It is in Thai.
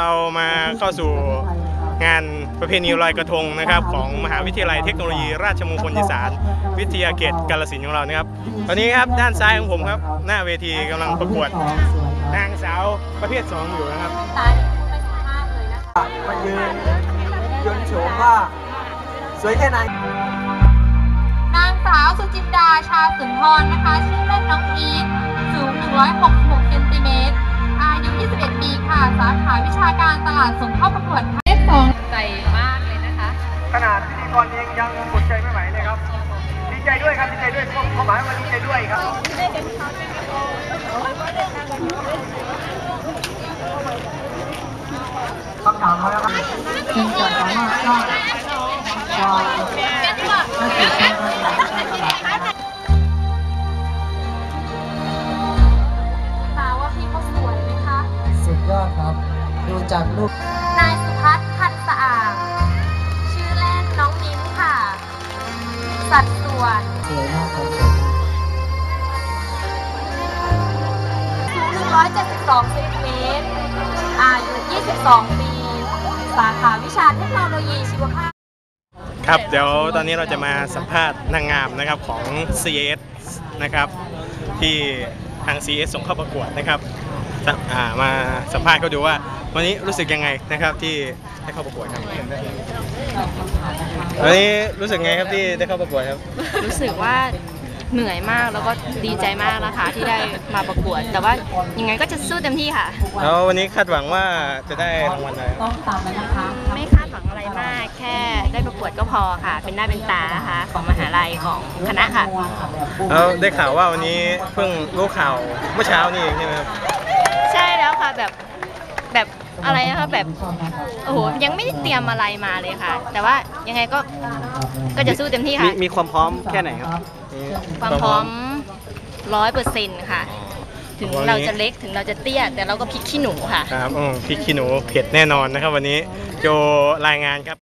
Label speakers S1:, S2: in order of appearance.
S1: เรามาเข้าสู่งานประเพณีลอยกระทงนะครับของมหาวิทยาลัยเทคโนโลยีราชมงคลอีสานวิทยาเขตกาฬสินธุ์ของเรานะครับตอนนี้ครับด้านซ้ายของผมครับหน้าเวทีกำลังประกวดนางสาวประเภท2อยู่นะครับ
S2: ตาไม่สามารถเลยนะคะ
S3: มายืนโฉมว่าสวยแค่ไหน
S2: นางสาวสุจินดาชาสุนทรนะคะชื่อเล่นน้องอีทสูง166เซนติเมตรอายุ21 ปีค่ะสาขาวิชาการตลาดส่งเข้าประกวดเลข2ใจมากเลยนะคะ
S3: ขนาดพิธีกรเองยังกดใจไม่ไหวเลยครับดีใจด้วยครับดีใจด้วยความหมายว่าดีใจด้วยครับคำถามมาแล้วครับคุณจะสามารถสร้างความน่าตื่นเต้น
S2: ว่าพี่เขาสวยไหมคะ
S3: สุดยอดครับดูจากรูป
S2: นายสุพัฒน์พันธ์สะอาดชื่อเล่นน้องมิ้นค่ะสัดส่วน
S3: สวยมากครับ
S2: สูง172เซนติเมตรอายุ22 ปีสาขาวิชาเทคโนโลยีชีวภาพ
S1: ครับเดี๋ยวตอนนี้เราจะมาสัมภาษณ์นางงามนะครับของ CS นะครับที่ทาง CS ส่งเข้าประกวดนะครับมาสัมภาษณ์เขาดูว่าวันนี้รู้สึกยังไงนะครับที่ได้เข้าประกวดครับวันนี้รู้สึกไงครับที่ได้เข้าประกวดครับ
S4: รู้สึกว่าเหนื่อยมากแล้วก็ดีใจมากนะคะที่ได้มาประกวดแต่ว่ายังไงก็จะสู้เต็มที่ค่ะ
S1: แล้ววันนี้คาดหวังว่าจะได้รางวัลอะไร
S4: ไม่คาดหวังอะไรมากแค่ได้ประกวดก็พอค่ะเป็นหน้าเป็นตานะคะของมหาลัยของคณะค่ะ
S1: แล้วได้ข่าวว่าวันนี้เพิ่งรู้ข่าวเมื่อเช้านี่เองใช่ไหมครับ
S4: ใช่แล้วค่ะแบบอะไรนะคะแบบโอ้โหยังไม่ได้เตรียมอะไรมาเลยค่ะแต่ว่ายังไงก็จะสู้เต็มที่ค่ะ
S1: มีความพร้อมแค่ไหนครับ
S4: ความพร้อม100%ค่ะถึงเราจะเล็กถึงเราจะเตี้ยแต่เราก็พริกขี้หนูค่ะ
S1: ครับพริกขี้หนูเผ็ดแน่นอนนะครับวันนี้โจรายงานครับ